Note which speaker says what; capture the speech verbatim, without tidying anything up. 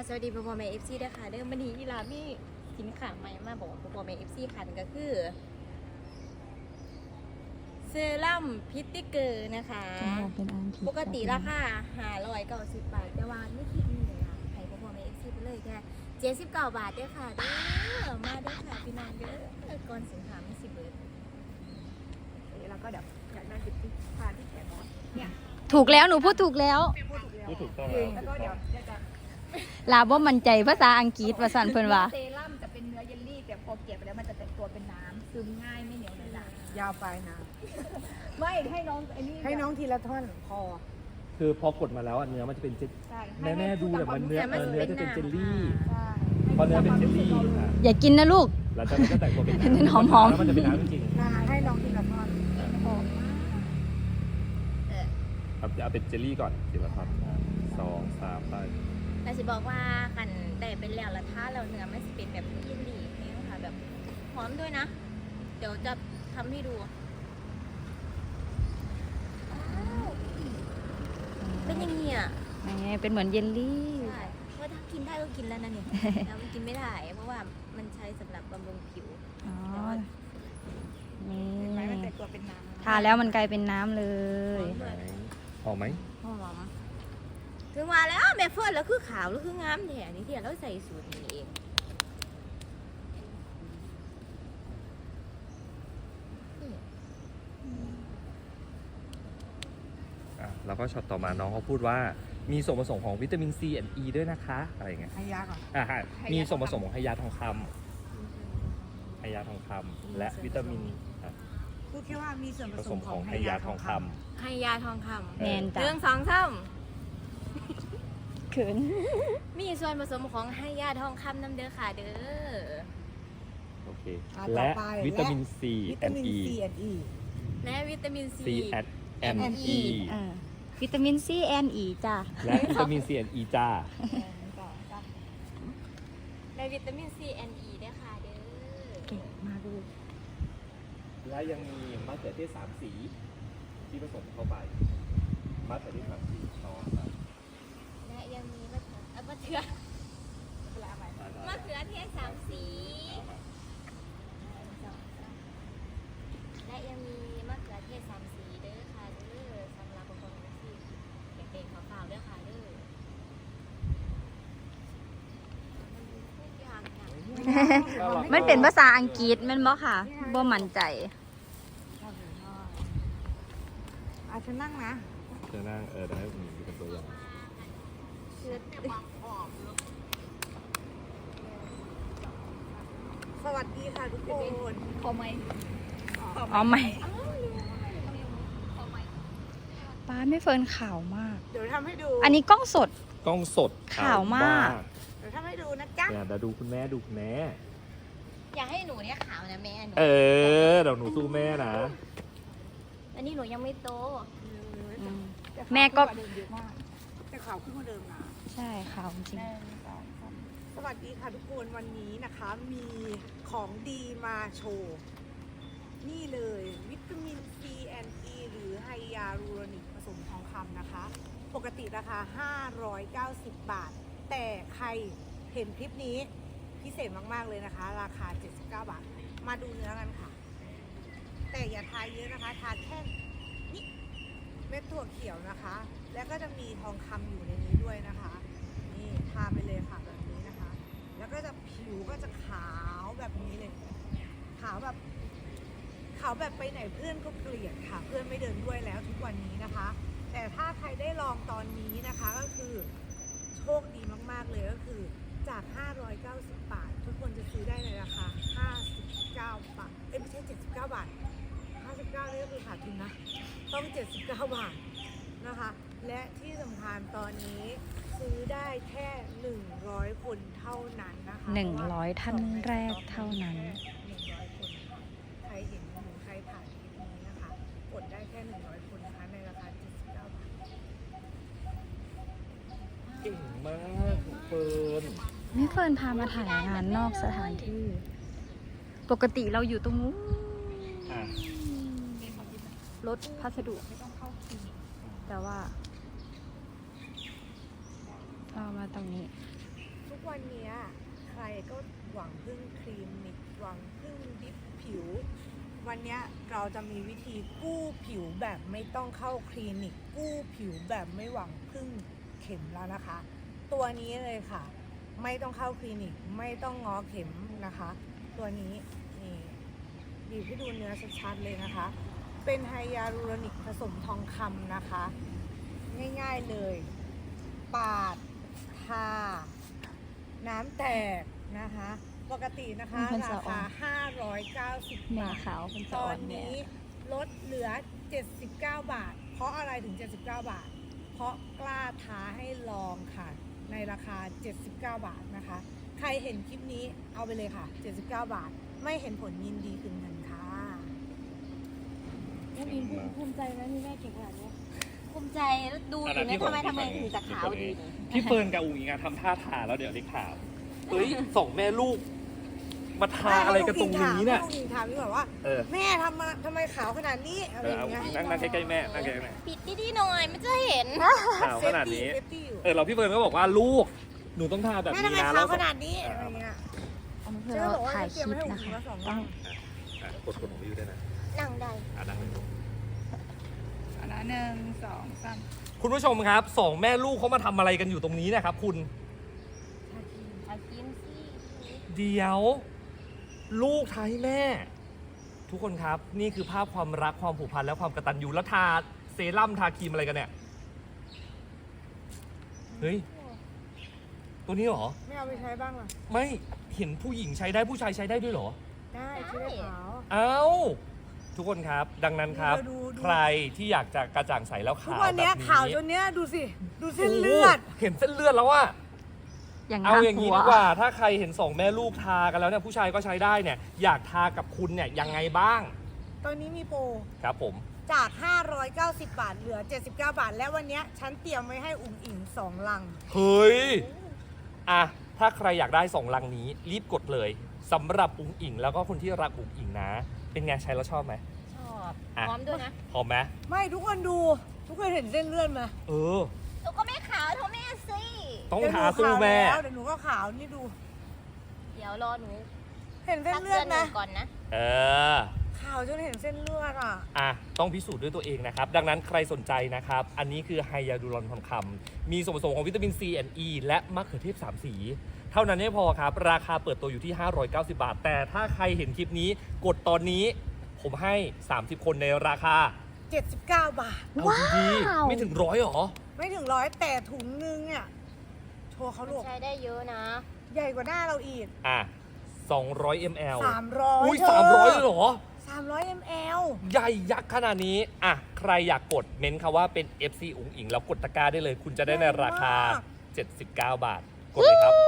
Speaker 1: สวัสดีพ่อพ่อแม่เอฟซีด้วยค่ะเดิมวันนี้อีลามีสินค้าใหม่มาบอกว่าพ่อพ่อแม่เอฟซีค่ะนั่นก็คือเซรั่มพิตติเกอร์นะคะปกติราคาห้าร้อยเก้าสิบบาทแต่ว่าไม่คิดนี่เลยค่ะให้พ่อพ่อแม่เอฟซีไปเลยแค่เจ็ดสิบเก้าบาทเด้อค่ะเด้อมาเด้อค่ะพี่นางเด้อก่อนสินค้าไม่สิบเบิร์ดแล้วก็เดี๋ยวอยากได้สิบที่ทานที่แขนบอสเนี่ย
Speaker 2: ถูกแล้วหนูพูดถูกแล้ว
Speaker 3: พูดถูกต้อง
Speaker 1: แล้วก็เดี๋ยวจะ
Speaker 2: ลาบ่มั่นใจภาษาอังกฤษภาษาเพิ่นว่า
Speaker 1: เซรั่มจะเป็นเนื้อเยลลี่แต่พอเก็บไปแล้วมันจะแตกตัวเป็นน้ำซึมง่ายไม่เหนียวเลยจ้ะ
Speaker 4: ยาวไปนะ
Speaker 1: ไม่ให้น้องไอ้นี่
Speaker 4: ให้น้องทีละท่อนพอ
Speaker 3: คือพอกดมาแล้วเนื้อมันจะเป็นเจลแม่แม่ดูแต่มันเนื้อเนื้อจะเป็นเจลลี่พอเนื้อเป็นเจลลี่
Speaker 2: อย่ากินนะลูก
Speaker 3: แล้วจากนั้นก็แตกตัวเป็น
Speaker 2: น้ำหอมหอม
Speaker 3: แล้วมันจะเป็นน้ำจริง
Speaker 4: ๆให้น้องทีละท่อนพอ
Speaker 3: ครับจะเอาเป็นเจลลี่ก่อนทีละท่อนสองสามไป
Speaker 1: แต่สิบอกว่ากันแต่เป็นแล้วละท่าเราเนื้อมันจะเป็นแบบเยลลี่นี่ค่ะแบบหอมด้วยนะเดี๋ยวจะทำให้ดูเป็นยังไงอ่ะ
Speaker 2: เป็นเหมือนเยลลี่
Speaker 1: ใช่เพราะถ้ากินได้ก็กินแล้วนะเนี่ยแล้วมันกินไม่ได้เพราะว่ามันใช้สำหรับบำรุงผิว
Speaker 2: อ๋อนี่
Speaker 1: มันแต่ตัวเป็นน้ำ
Speaker 2: ทาแล้วมันกลายเป็นน้ำเลย
Speaker 3: หอมไหม
Speaker 1: หอมถึงว่าแล้วแม่เฟิร์นแล้วคือขาวแล้วคืองามแท้นี่ที่เราใส่สูตรนี้เอง
Speaker 3: อ่ะแล้วก็ช็อตต่อมาน้องเขาพูดว่ามีส่วนผสมของวิตามิน C and E ด้วยนะคะอะไรอย่างเงี้ย
Speaker 4: ให้ยาก่อน
Speaker 3: อ่ะมีส่วนผสมของไฮยาทองคำไฮยาทองคำและวิตามิน
Speaker 4: พูดแค่ว่ามีส่วนผสมของไฮ
Speaker 3: ยา
Speaker 4: ยาทองค
Speaker 1: ำไฮยาทองคำ
Speaker 2: แมนจ้ะ
Speaker 1: เรื่องสองซ้ำ
Speaker 2: ขืน
Speaker 1: มีส่วนผสมของไฮยาทองคำน้ำเด้อค่ะเด้อ
Speaker 3: โอเคและวิตามิน C and E
Speaker 1: และวิตามิน C
Speaker 3: and E
Speaker 2: วิตามิน C and E จ้ะ
Speaker 3: และวิตามิน C and E จ้า
Speaker 1: และวิตามิน C and E ด้วยค่ะเด้อ
Speaker 2: เก่งมาดู
Speaker 3: และยังมีมะเขือเทศสามสีที่ผสมเข้าไปมะเขือเทศสามสีต่อ
Speaker 1: และยังมีมะเขือมะเขือมะเขือเทศสามสีและยังมีมะเขือเทศสามสีเด้อค่ะเด้อสำหรับบางคนที่เด็กๆขาวๆเด้อค่ะเด้อ
Speaker 2: มันเป็นภาษาอังกฤษแม่นบ่ค่ะบ่มั่นใจ
Speaker 4: อาจจะนั่งนะ
Speaker 3: จะนั่งเออได้ผมดูเป็นตัวอย่าง
Speaker 4: สวัสดีค่ะทุกคน
Speaker 1: พอไหม
Speaker 2: อ๋อไหมป้าไม่เฟิร์นขาวมาก
Speaker 4: เดี๋ยวทำให้ดู
Speaker 2: อันนี้กล้องสด
Speaker 3: กล้องสด
Speaker 2: ขาวมาก
Speaker 4: เดี๋ยวทำให้ดูนะจ๊ะ
Speaker 3: เดี๋ยวดูคุณแม่ดูคุณแม่
Speaker 1: อยากให้หนูเนี่ยขาวนะแม่หนู
Speaker 3: เออเดี๋ยวหนูสู้แม่นะ
Speaker 1: อันนี้หนูยังไม่โต
Speaker 2: แม่ก็
Speaker 4: แต่ขาวขึ้นกว่าเดิมนะ
Speaker 2: ใช่ขาวจริง
Speaker 4: สวัสดีค่ะทุกคนวันนี้นะคะมีของดีมาโชว์นี่เลยวิตามิน C and E หรือไฮยาลูโรนิกผสมทองคำนะคะปกติราคาห้าร้อยเก้าสิบบาทแต่ใครเห็นคลิปนี้พิเศษมากๆเลยนะคะราคาเจ็ดสิบเก้าบาทมาดูเนื้อกันค่ะแต่อย่าทาเยอะนะคะทาแค่นี้เม็ดถั่วเขียวนะคะแล้วก็จะมีทองคำอยู่ในนี้ด้วยนะคะนี่ทาไปเลยค่ะแบบนี้นะคะแล้วก็จะผิวก็จะขาวแบบนี้เลยขาวแบบขาวแบบไปไหนเพื่อนก็เกลียดค่ะเพื่อนไม่เดินด้วยแล้วทุกวันนี้นะคะแต่ถ้าใครได้ลองตอนนี้นะคะก็คือโชคดีมากๆเลยก็คือจากห้าร้อยเก้าสิบบาททุกคนจะซื้อได้ในราคาห้าสิบเก้าบาทเอ้ยไม่ใช่เจ็ดสิบเก้าบาทห้าสิบเก้านี่ก็คือขาดทุนนะต้องเจ็ดสิบเก้าบาทนะคะและที่สำคัญตอนนี้ซื้อได้แค่หนึ่งร้อยคนเท่านั้นนะคะ
Speaker 2: หนึ่งร้อยท่านแรกเท่านั้น
Speaker 4: หนึ่งร้อยคนใครเห็นหรือใครผ่านคลิปนี้นะคะกดได้แค่หนึ่งร้อยคนนะคะในราคาเจ็ดสิบเก้าบาท
Speaker 3: เก่งมากเฟิร์น
Speaker 2: นี่เฟิร์นพามาถ่ายงานนอกสถานที่ปกติเราอยู่ตรงนู้นรถพัสดุไม่ต้องเข้าคิวแต่ว่าเรามาตรงนี้
Speaker 4: วันเนี้ยใครก็หวังพึ่งครีมนิกหวังพึ่งดิฟผิว วันเนี้ยเราจะมีวิธีกู้ผิวแบบไม่ต้องเข้าคลินิกกู้ผิวแบบไม่หวังพึ่งเข็มแล้วนะคะ ตัวนี้เลยค่ะ ไม่ต้องเข้าคลินิกไม่ต้องง้อเข็มนะคะ ตัวนี้นี่บีบให้ดูเนื้อชัดๆเลยนะคะ เป็นไฮยาลูโรนิกผสมทองคำนะคะ ง่ายๆเลย ปาดทาน้ำแตกนะคะ ปกตินะคะ
Speaker 2: เป็น
Speaker 4: รา
Speaker 2: สะออน
Speaker 4: คา ห้าร้อยเก้าสิบ
Speaker 2: แม่
Speaker 4: บาท
Speaker 2: ขาวเป็น
Speaker 4: ต
Speaker 2: สะ
Speaker 4: อ
Speaker 2: อ่อน นแม่
Speaker 4: นี้ลดเหลือ เจ็ดสิบเก้า บาท เพราะอะไรถึง เจ็ดสิบเก้า บาท เพราะกล้าท้าให้ลองค่ะ ในราคา เจ็ดสิบเก้า บาทนะคะ ใครเห็นคลิปนี้เอาไปเลยค่ะ เจ็ดสิบเก้า บาท ไม่เห็นผลยินดีคืนเงินค่ะ
Speaker 1: แม่บินภูมิใจไหมมีแม่เก่งขนาดนี้ภูมิใจแล้วดูอ
Speaker 3: อัน
Speaker 1: ยู่
Speaker 3: นั้น
Speaker 1: เนี่ย
Speaker 3: พี่
Speaker 1: ทำไม
Speaker 3: ผม
Speaker 1: ทำไม
Speaker 3: พี่
Speaker 1: ถึงจะขาว
Speaker 3: ผม
Speaker 1: ดี
Speaker 3: พี่เฟิร์นกับอุ๋งอิงอะทำท่าทาแล้วเดี๋ยวเล็กถามเฮ้ยสองแม่ลูก มาทาอะไรกันตรงนี้เนี่ย
Speaker 4: ลูกอิงถามพี่บอกว่า
Speaker 3: เออ
Speaker 4: แม่ทำมาทำไมขาวขนาดนี้อะไร
Speaker 3: เอ
Speaker 4: อ
Speaker 3: อย่าง
Speaker 4: เงี้ย
Speaker 3: นั่งนั่งใกล้ๆแม่นั่งใกล้ๆแม่
Speaker 1: ปิดดีๆหน่อยมันจะเห็น
Speaker 3: ขาวขนาดนี้
Speaker 4: เซฟตี้อยู่
Speaker 3: เออเราพี่เฟิร์นก็บอกว่าลูกหนูต้องทาแบบ
Speaker 4: แม่
Speaker 3: นี้
Speaker 4: ทำไม
Speaker 3: นะ
Speaker 4: ขา
Speaker 3: แล้ว ว
Speaker 4: ขนาดนี้อะไรเงี้ย
Speaker 2: อันนี้คือ
Speaker 4: ฉันก็
Speaker 2: เรา
Speaker 4: บอกว่า
Speaker 2: ถ่าย
Speaker 4: จะ
Speaker 2: ค
Speaker 4: เตรียม
Speaker 2: ลิป
Speaker 4: ให้อุ๋ง
Speaker 2: นะ
Speaker 4: อิง
Speaker 2: คะ
Speaker 4: มาสอง
Speaker 2: ต้
Speaker 4: วั
Speaker 2: อง
Speaker 4: น
Speaker 3: อ่ะกดกดของวิวด้วยนะ
Speaker 1: นั่งได้
Speaker 3: อ่ะนั่งเลย
Speaker 4: อันนั้นหนึ่งสองสาม
Speaker 3: คุณผู้ชมครับสองแม่ลูกเขามาทำอะไรกันอยู่ตรงนี้เนะครับคุณ
Speaker 1: เอากินสิ
Speaker 3: เดี๋ยว ลูกทาให้แม่ ทุกคนครับนี่คือภาพความรักความผูกพันและความกตัญญูแล้วทาเซรั่มทาครีมอะไรกันเนี่ยเฮ้ยตัวนี้เหรอ
Speaker 4: ไม่เอาไปใช้บ้างเหรอ
Speaker 3: ไม่เห็นผู้หญิงใช้ได้ผู้ชายใช้ได้ด้วยเหรอ
Speaker 4: ได้ใช้ได้ขาว
Speaker 3: เอ้าทุกคนครับดังนั้นครับ
Speaker 4: ดูดูดู
Speaker 3: ใครที่อยากจะกระจ่างใสแล้ว
Speaker 4: ทุก
Speaker 3: ขาว
Speaker 4: วัน
Speaker 3: แบบ
Speaker 4: เนี้ย
Speaker 3: นี้
Speaker 4: ขาวจนเนี้ยดูสิ ดูเส้นเลือด
Speaker 3: โโหเห็นเส้นเลือดแล้วว่า
Speaker 2: อย่าง
Speaker 3: เอา
Speaker 2: น่า
Speaker 3: อย่าง
Speaker 2: ก
Speaker 3: นี้
Speaker 2: ลัว
Speaker 3: ดีกว่าถ้าใครเห็นสองแม่ลูกทากันแล้วเนี่ยผู้ชายก็ใช้ได้เนี่ยอยากทากับคุณเนี่ยยังไงบ้าง
Speaker 4: ตอนนี้มีโปร
Speaker 3: ครับผม
Speaker 4: จาก ห้าร้อยเก้าสิบ บาท เหลือ เจ็ดสิบเก้า บาท และวันเนี้ยฉันเตรียมไว้ให้อุ๋งอิงสองลัง
Speaker 3: เฮ้ยอ่ะถ้าใครอยากได้สองลังนี้รีบกดเลยสำหรับอุ๋งอิงแล้วก็คนที่รักอุ๋งอิงนะ เป็นไงใช้แล้วชอบไหม
Speaker 1: ชอบ
Speaker 3: อ่ะ
Speaker 1: พร้อมด้วยนะ
Speaker 3: พร้อมไหม
Speaker 4: ไม่ทุกคนดู ทุกคนเห็นเส้นเลือดไหม
Speaker 3: เออ
Speaker 1: หนูก็ไม่ขาวเท่าแม่สิ
Speaker 3: ต้อง
Speaker 4: เดี๋ยวห
Speaker 3: ทา
Speaker 4: นู
Speaker 3: สู้
Speaker 4: ขาว
Speaker 3: แม่
Speaker 4: แล้วเดี๋ยวหนูก็ขาวนี่ดู
Speaker 1: เดี๋ยวรอหนู
Speaker 4: เห็นเส้น
Speaker 1: สัก
Speaker 4: เลื
Speaker 1: เดื
Speaker 4: อ
Speaker 1: อ
Speaker 4: ด
Speaker 1: นหนึ่
Speaker 4: นะ
Speaker 1: งก่อนนะ
Speaker 3: เออ
Speaker 4: ขาวจนเห็นเส้นเลือดอ่ะ
Speaker 3: อ่ะต้องพิสูจน์ด้วยตัวเองนะครับ ดังนั้นใครสนใจนะครับ อันนี้คือไฮยาลูรอนทองคำมีส่วนผสมของวิตามิน ซี และ E และมะเขือเทศสามสี เท่านั้นไม่พอครับ ราคาเปิดตัวอยู่ที่ ห้าร้อยเก้าสิบ บาท แต่ถ้าใครเห็นคลิปนี้กดตอนนี้ผมให้ สามสิบ คนในราคา
Speaker 4: เจ็ดสิบเก้า บาท
Speaker 3: เอาดีๆไม่ถึงร้อยหรอ
Speaker 4: ไม่ถึงร้อยแต่ถุงนึงเนี่ยโชว์เขาลูก
Speaker 1: ใช้ได้เยอะนะ
Speaker 4: ใหญ่กว่าหน้าเราอีก
Speaker 3: อ่ะสองร้อยมิลลิลิตร
Speaker 4: สามร้อย
Speaker 3: อุ้ยสามร้อยเลยเหรอ
Speaker 4: สามร้อยมล
Speaker 3: ใหญ่ยักษ์ขนาดนี้ อ่ะ ใครอยากกดเม้นคำว่าเป็น เอฟ ซี อุ๋งอิงแล้วกดตะกร้าได้เลย คุณจะได้ในราคา เจ็ดสิบเก้า บาท กดเลยครับ